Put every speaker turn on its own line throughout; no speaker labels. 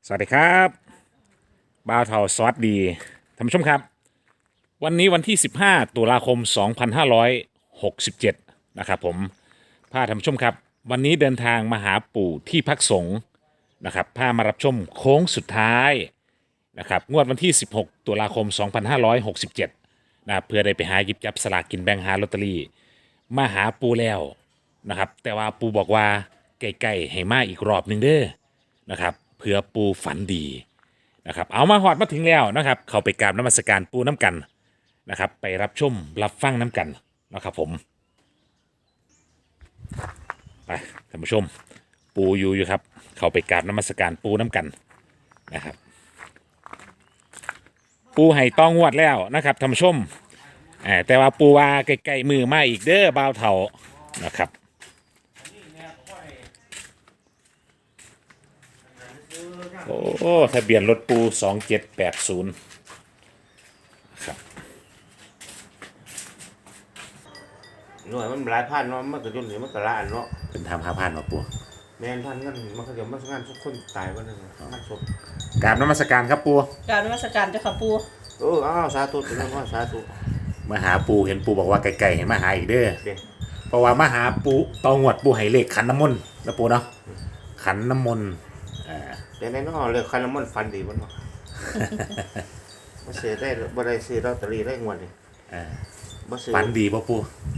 สวัสดีครับบ่าวเทาสวัสดีท่านผู้ชมครับวันนี้วันที่ 15 ตุลาคม 2567นะครับผมพาท่านผู้ชมครับวันนี้เดินทางมาหาปู่ที่พักสงฆ์นะครับพามารับชมโค้งสุดท้ายนะครับงวดวันที่ 16 ตุลาคม 2567นะครับเพื่อได้ไปหาหยิบจับสลากกินแบ่งหาลอตเตอรี่มาหาปู่แล้วนะครับแต่ว่าปู่บอกว่าใกล้ๆให้มาอีกรอบหนึ่งเด้อนะครับเพื่อปู่ฝันดีนะครับเอามาหอดมาถึงแล้วนะครับเข้าไปกราบนมัสการปู่น้ำกันนะครับไปรับชมรับฟังน้ำกันนะครับผมไปท่านผู้ชมปู่อยู่ครับเข้าไปกราบนมัสการปู่น้ำกันนะครับปู่ให้ต้องงวดแล้วนะครับท่านผู้ชมแต่ว่าปู่ว่าใกล้ๆมือมาอีกเด้อบ่าวเฒ่านะครับโอ้ทะเบียนรถปู2780ครับ
หน่วยมันหลายพันเนาะมันก็จนนี่มันก็ละอันเนาะ
เป็นทำ5,000มาปู
แม่นพันกันมันก็เดี๋ยวมันงานทุกคนตายวันนึงงานศพ
กราบนมัสการครับปู
กรารนมัสการเจ้าค่ะปู
อ้าวสาธุถึงนั้นว่าสาธุ
มาหาปูเห็นปูบอกว่าไกลๆให้มาหาอีกเด้อ
เด้
เพราะว่ามาหาปูตองวดปูให้เลขขันน้ำมนต์นะปูเนาะขันน้ำมนต์
เดี๋ยวในน้อเลยคันน้ำมันฟันดีบ่เนาะบ่เสียได้บ่ได้ซื้อลอตเตอรี่ได้งวดนี่บ่ซื้อ
ฝันดีป่ะปู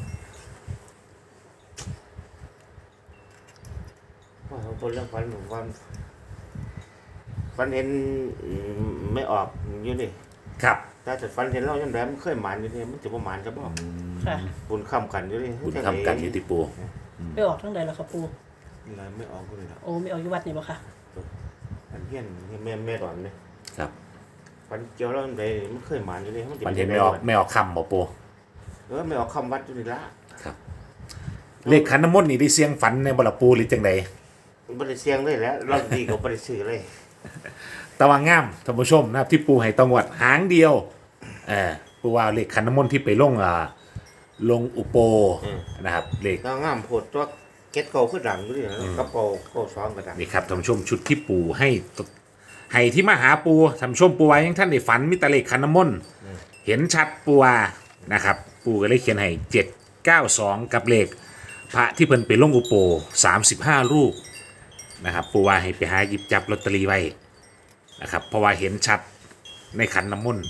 ว่าเขาบ่เรื่องฟันว่าฟันเห็นไม่ออกอยู่นี่
ครับ
ถ้าจะฟันเห็นเราจังได๋มันเคยหมานอยู่นี่มันจะบ่หมานจะบ่
ค่ะ
บุญค้ำกันอยู่นี่
คุณทำกันอยู่ที่ปู
ไปออกทั้งใดแล้วค่ะปู
อะไรไม่ออกเลยล่ะ
โอ้ไม่ออกอยู่วัดนี่บ่ค่ะ
อันเฮียนแม่ดอนนี่
ครับ
ฟันเจียวแล้วมันมันเคยหมานอยู่นี่
มันเห็นไม่ออกคำป่ะปู
ไม่ออกคำวัดอยู่นี่ละ
ครับเลขขันน้ำมนต์นี่ได้เสียงฝันในบลปูหรือจังใด
บริเสียงเลยแหล้วเราดีกว่าบริสื่อเลย
ตะวังงามท่านผู้ชมนะครับที่ปูให้ตองวดหางเดียวปูว่าเลขขันน้ำมนต์ที่ไปลงอุโปนะครับเลข
เราง่ามโพดตัวเก็ตเก่าขึ้นดังด้วยนะกระเป๋าเก่าซ้อมกระดัง
นี่ครับท่านผู้ชมชุดที่ปูให้ที่มาหาปูท่านผู้ชมปูไว้ยังท่านได้ฝันมิตรเลขขันน้ำมนต์เห็นชัดปูว่านะครับปูก็เลยเขียนให้792กับเลขพระที่เพิ่นไปลงอุโป35รูปนะครับปูว่าให้ไปหาหยิบจับลอตเตอรี่ไว้นะครับเพราะว่าเห็นชัดในขันน้ำมนต์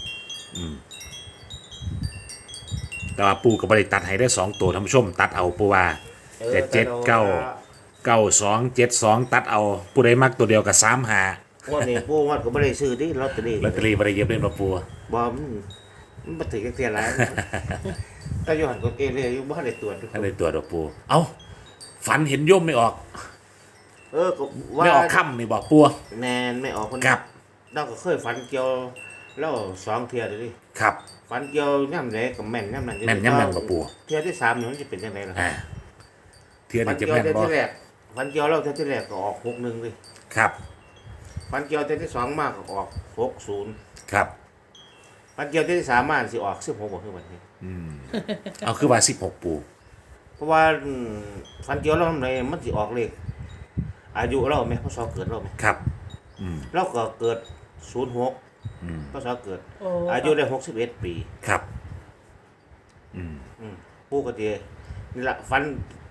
แต่ว่าปูกับบริตัดให้ได้2ตัวท่านผู้ชมตัดเอาปูว่าแต่79292ตัดเอาปูได้มักตัวเดียวกับ35
วันนี้ปูวัดก็บริสื่อดิลอตเตอรี่
ลอตเตอรี่บริเย็บเล่นมาปู
บอมันมาถึงเทียนแล้วแต่ย้อนก็เกเรอยู่บ้านในตัวทุกค
อัน
น
นี้ตัวดอกปูเอ้าฝันเห็นโยมไม่ออก
ก็ว่า
ไม่ออกค่ำนี่บอกปู
แนนไม่ออกคน
ครับ
เราก็เคยฝันเกี่ยวแล้ว2เทียเลยดิ
ครับ
ฝันเกี่ยวย่ำไหนกับแม่นย่ำนั้น
แม่นย่ำนั้นบ่ปู่
เทียที่3นี่มันจะเป็นยังไงล่ะ
เทียน
ฝัน
จะ
เกี่ยว
แม่น
เทีย
บ่
ที่แรกฝันเกี่ยวเราเทียที่แรกก็ออก61เลย
ครับ
ฝันเกี่ยวเทียที่2มากก็ออก60
ครับ
ฝันเกี่ยวเทียที่3มาสิออก16บ่คือบัดนี้
เอาคือว่า16ปู
เพราะว่าฝันเกี่ยวเราในมันสิออกเลขอายุเราไหมพศเกิดเราไหม
ครับ
เราก็เกิด06พศเกิด
โอ้
อายุได้61 ปี
ครับ
ผู้ก็ดีนี่ละฝัน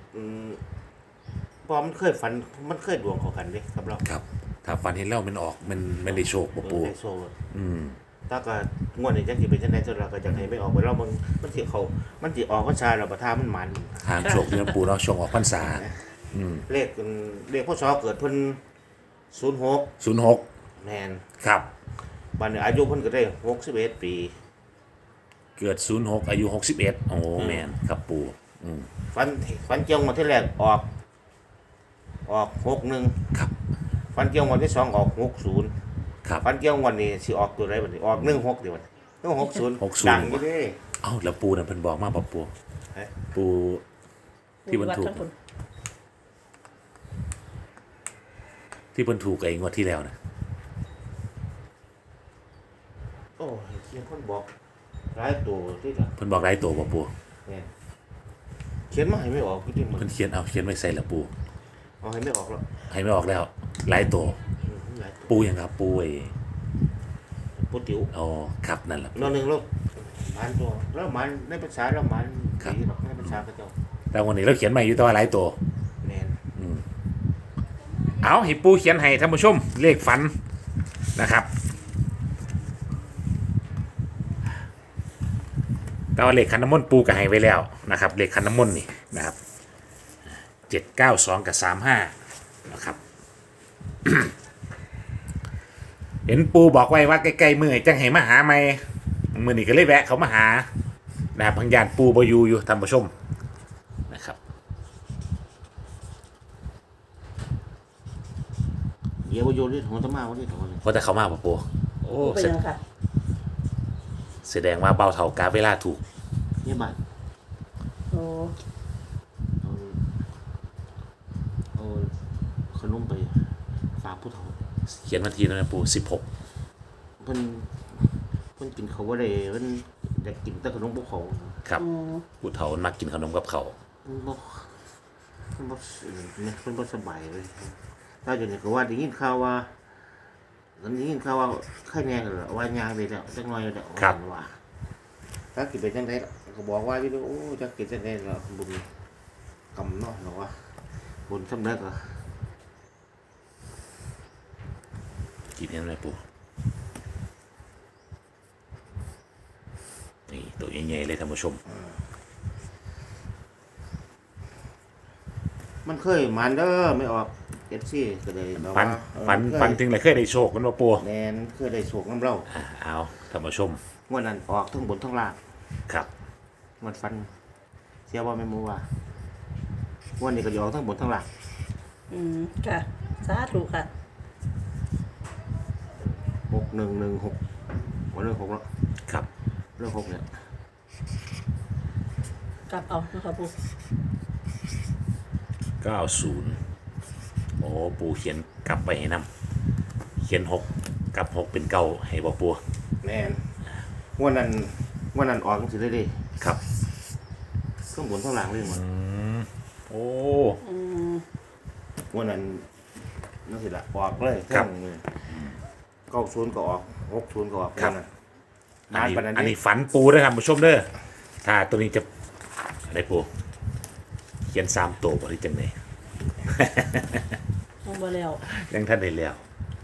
เพอมันเคยฝันมันเคยดวงเขากันเด้ครับเรา
ครับ ถ้าฝันเห็นแล้วมันออกมันได้โชคบ่ปู
ในโซ่ถ้าก็งวดนี้จังสิเป็นจังได๋จนเราก็จังให้ไม่ออกไปเรามันสิออกพรรษาเราประทามันมัน
ทางโชคเดือนปูเนาะช่วงออกพรรษา
เลขพศเกิดเพิ่น06
06
แม่น
ครับ
บัดนี้อายุเพิ่นก็ได้61 ปี
เกิด06อายุ61โอ้แม่นครับปู
ฝันเจียวงวดที่แรกออก61
ครับ
ฝันเจียวงวดที่2ออก60
ครับ
ฝันเกี่ยววันนี้สิออกตัวไรบัดนี้ออก16เดี๋ยวบัดนี้60ดังอยู่เด้
เอ้าแล้วปูนั่นเพิ่นบอกมาบ่ปู
เฮ้ย
ปูที่เพิ่นถูก
วัดทั้งคน
ที่เพิ่นถูกไอ้งวดที่แล้วนะ
โอ้ยเขียนคนบอกหลายตัวที่ละ
เพิ่นบอกหลายตัวบ่ปู
แม่นเขียนมาให้ไม่ออกคือที่มัน
เพิ่นเขียนไว้ใส่ละปู
เอาให้ไม่ออกแล้ว
ให้ไม่ออกแล้วหลายตัว
มหลายตัว
ปูอย่างครับปูไอ้
ปูติ๋ว
อ๋อครับนั่นแหละ
นอนหนึ่งแล้วมันตัวแล้วมันในภาษาแล้วมัน
ครับ
ดีหรอกในภาษาพระเจ้า
แต่วันนี้เราเขียนใหม่อยู่ตัวหลายตัว
แน่น
เอาให้ปูเขียนให้ท่านผู้ชมเลขฝันนะครับแต่ว่าเลขคันน้ำมนต์ปูกับให้ไว้แล้วนะครับเลขคันน้ำมนต์นี่นะครับ792กับ35นะครับ เห็นปูบอกไว้ว่าใกล้ๆมือจังให้มาหาไหมมือนี่ก็เลยแวะเขามาหานะครับพังยานปูบอยู่ท่านผู้ชมนะครับ
เดี๋ยวโยนนี่ของตะมาวันนี้ของมัน
เพราะแต่เขามาปะปูโอ้
ปูเป็นยังค่ะ
แสดงว่าเบาเท่ากาเวลาถูก
นี่บ้าน
โอ้
เอาเอาขนมไปฝากผู้เฒ่า
เขียนวันทีนะปู16
เพิ่นเพิ่นกินเขาว่าได้เพิ่นอยากกินแต่ขนมพวกเขา
ครับ
อืม
ผู้เฒ่ามักกินขนมกับเขาว
เพิ่นบ่เพิ่นบ่เนี่ยเพิ่นบ่สบายเลยถ้าอยู่นี่ก็ว่าได้ยินข่าวว่าได้ยินข่าวว่าไข้แน่กันเหรอว่ายางไปแล้วจักหน่อยแล้วว่าถ้ากินไปจังได๋ก็บอกว่าอยู่โอ้จะกินจังได๋ล่ะบุญกำเนาะเนาะว่าบุญสำเร็จอ่ะ
กินยังไงปูนี่ตัวใหญ่ๆเลยท่านผู้ชม
มันเคยมันเด้อไม่ออก FC ก็เลยแบบ
ฟัน
ว่า
ฟันถึงเลยเคยได้โชคกันว่าปู
แม่นเคยได้โศกน้ำเล่า
เอาท่านผู้ชม
งวดนั้นออกทั้งบนทั้งล่าง
ครับ
มันฟันเสียบ่แม่นบ่ว่าวันนี้ก็ยออกทั้งบนทั้งล่าง
อืมค่ะสาธุค่ะ
6116วันเรื่อง6แล้ว
ครับ
เรื่อง6เนี่ย
กลับเอานะคะปู
90โอ้ปูเขียนกลับไปให้นำเขียน6กับ6เป็นเก้าให้บ่ปู
แม่นวันนั้นออกจังซี่เลยเด้
ครับ
ทั้งบนทั้งล่างเลยหมด
โอ้
อืม
วันนั้นนั่นสิล่ะออกเลย
ครับ
90ก็ออก60ก็ออก
ครับ
วันนั้นนานปานนั้น
อัน
เด้
นี้ฝันปูด้วยครับผู้ชมเด้อถ้าตัวนี้จะอะไรปูเขียน3ตัวบ่ได้จังได๋
เอาบ่แล้ว
ยังท่านได้แล้ว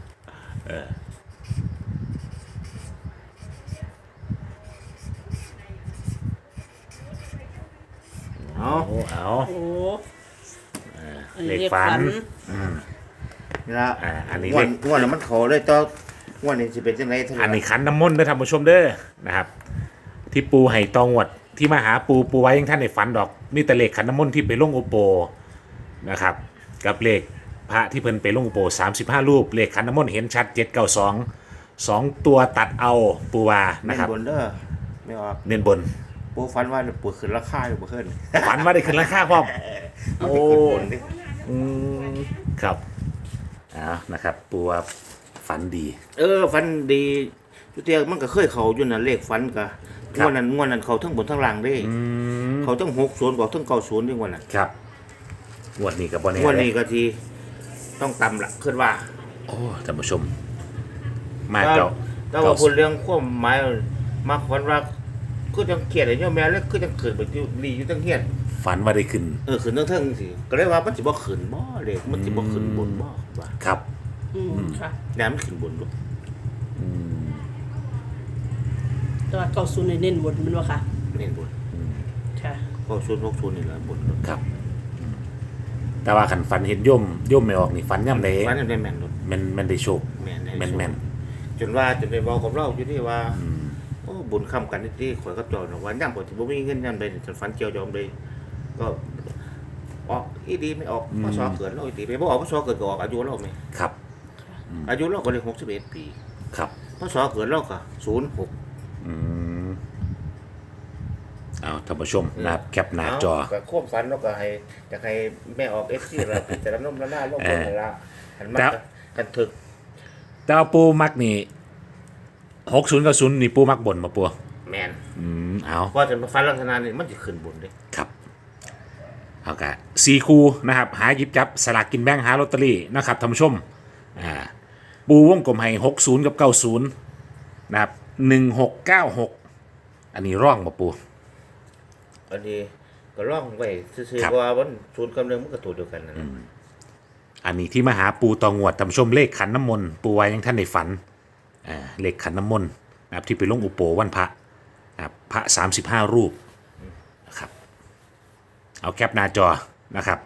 เอา
โอ้เอา
โอ้อัน
เล
นี้
ขฝัน
นี่ล่ะ
อันนี้
งว
เล
ด
ข
งวดนั้นมันเข้าเลยต่องวดนี้สิเป็นจังได๋เท่าไหร่
อันนี้ขันน้ำมนต์เด้อท่านผู้ชมเด้อนะครับ ที่ปูไห่ตองวดที่มาหาปูไว้ยังท่านในฝันดอกมีแต่เลขขันน้ำมนต์ที่ไปลงโอโปนะครับ กับเลขพระที่เพิ่นไปลงโอโป35 รูปเลขขันน้ำมนต์เห็นชัด792 2ตัวตัดเอาปูวา
แม่
นะ
น
ครับ
บนเด้อไม่ออก
เน้นบน
ปูฟันว่าปูขึ้นราคาอยู่บ่ขึ้น
ฝันว่าได้ขึ้นราคาพร้อมโอ้
บนดิ
อืมครับเอานะครับปูว่าฝันดี
ฟันดีจุเตียมันก็เคยเข้าอยู่น่ะเลขฟันก็งวดนั้นเข้าทั้งบนทั้งล่างเด้เขาทั้ง60บอกทั้ง90ด้วยงวดน่ะ
ครับงวดนี้กับบอลเน่
งวดนี้ก็สิต้องต่ำละคิดว่า
โอ้ท่านผู้ชม มาเก่า
แต่ว่าพูดเรื่องความหมายมาฝันว่าคือจังเครียดไอ้โยมแม่แล้วคือจังขึ้นไปอยู่ดีอยู่จังเฮียน
ฝันว่าได้ขึ้น
ขึ้นเทิงๆสิก็เลยว่ามันสิบ่ขึ้นบ่เลขมันสิบ่ขึ้นบนบ่ว่า
ครับ
อืมค่ะ
แน่มันขึ้นบนดู
แต่ว่าเก้าศูนย์เน้นบนมันว่าค่ะ
เน้นบน
ค่ะ
ก็60นี่แหละบน
ครับ แต่ว่าขันฝันเห็นย่มไม่ออกนี่ฝันย่ำเลย
ฝันได้แม่นดู
มันได้โชค
แม่น
แม่น
จนว่าจนได้บอกกับเราอยู่ที่ว่าโอ้บุญค้ำกันนี่ที่ข่อยกับจอยว่าย่ำบ่สิบ่มีเงินย่ำใดจนฝันเกี่ยวยอมเลยก็ออกอีดีไม่ออกพศเกิดเราอีดีไปบ่ออกพศเกิดก็ออกอายุเราไหม
ครับ
อายุเราก็เลย61 ปี
ครับ
พศเกิดเราก็06
เอาท่านผู้ชมนะครับแคปหน้าจอ
ก็โค้มฝันเราก็ให้อยากให้แม่ออก FC เราพิจารณาหน้าลงไปละหันมา
ครับ
กันถึก
แต่ว่าปูมักนี่60กับ0นี่ปูมักบ่นมาปู
แม่น
เอา
ว่าจะมาฝันลักษณะนี้มันสิขึ้นบนเด้
ครับเอากะ4 คู่นะครับ หาหยิบจับสลากกินแบ่งหาลอตเตอรี่นะครับท่านผู้ชมปูวงกลมให้60กับ90นะครับ1696อันนี้ร่องมาปู
อันนี้ก็ร่องไว้ซื่อ
ครับ
ๆเพราะว่ามันศูนย์กับหนึ่งมันก็ตัวเดียวกันนะ
อันนี้ที่มาหาปูตองวดท่านผู้ชมเลขขันน้ำมนต์ปูไว้ยังท่านในฝันเลขขันน้ำมนต์นะครับที่ไปลงอุโปวันพระนะครับพระ35 รูปนะครับเอาแคปหน้าจอนะครับ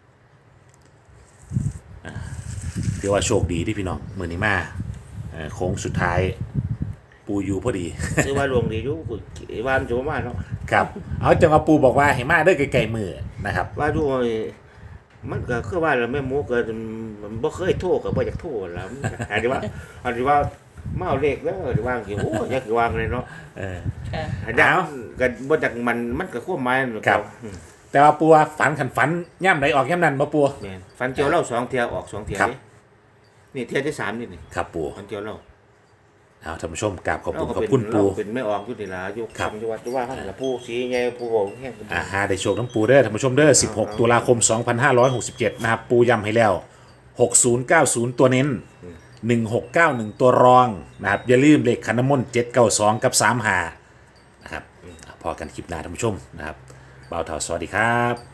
เดี๋ยวว่าโชคดีที่พี่น้องมือนี้มาโค้งสุดท้ายปูอยู่พอดี
คือว่าลวงดีอยู่ว่ามันจะประมาณเนาะ
ครับเอาจังว่าปูบอกว่าให้มาเด้อไกลๆมือนะครับ
ว่าดูมันก็คือว่าเราแม่หมูก็มันบ่เคยโทรก็บ่อยากโทรแล้วอันนี้ว่ามาเอาเลขแล้วหรือว่าสิโอ้อยากวางเลยเนาะ
ค่ะ
อันนี้ก็บ่จักมันก็ควบหมายนั่น
ครับ แต่ว่าปูว่าฝันขันฝันย่ำไหนออกย่ำนั้นมาปู
แม่นฟันเจียวเล่า2เที่ยออก2เที่ย
ครับ
นี่เที่ยที่3นี่
ครับปู
ฟันเจียวเล่า
เอาท่านผู้ชมกราบขอบคุณ
เรา
ขอบ
เป็น
คุณปู
เราเป็นไม่ออกอยู่นี่ล่ะอยู่
ครับ
คำอยู่วัดอยู่ว่าเขาน่ะผู้สีใหญ่ผู้โหแห้ง
หาได้โชคน้ำปูเด้อท่านผู้ชมเด้อ16 ตุลาคม 2567 นะครับ ปูย้ำให้แล้ว 6090 ตัวเน้น 1691 ตัวรองนะครับ อย่าลืมเลขขันน้ำมนต์792 กับ35นะครับพอกันคลิปหน้าท่านผู้ชมนะครับบ่าวเถาสวัสดีครับ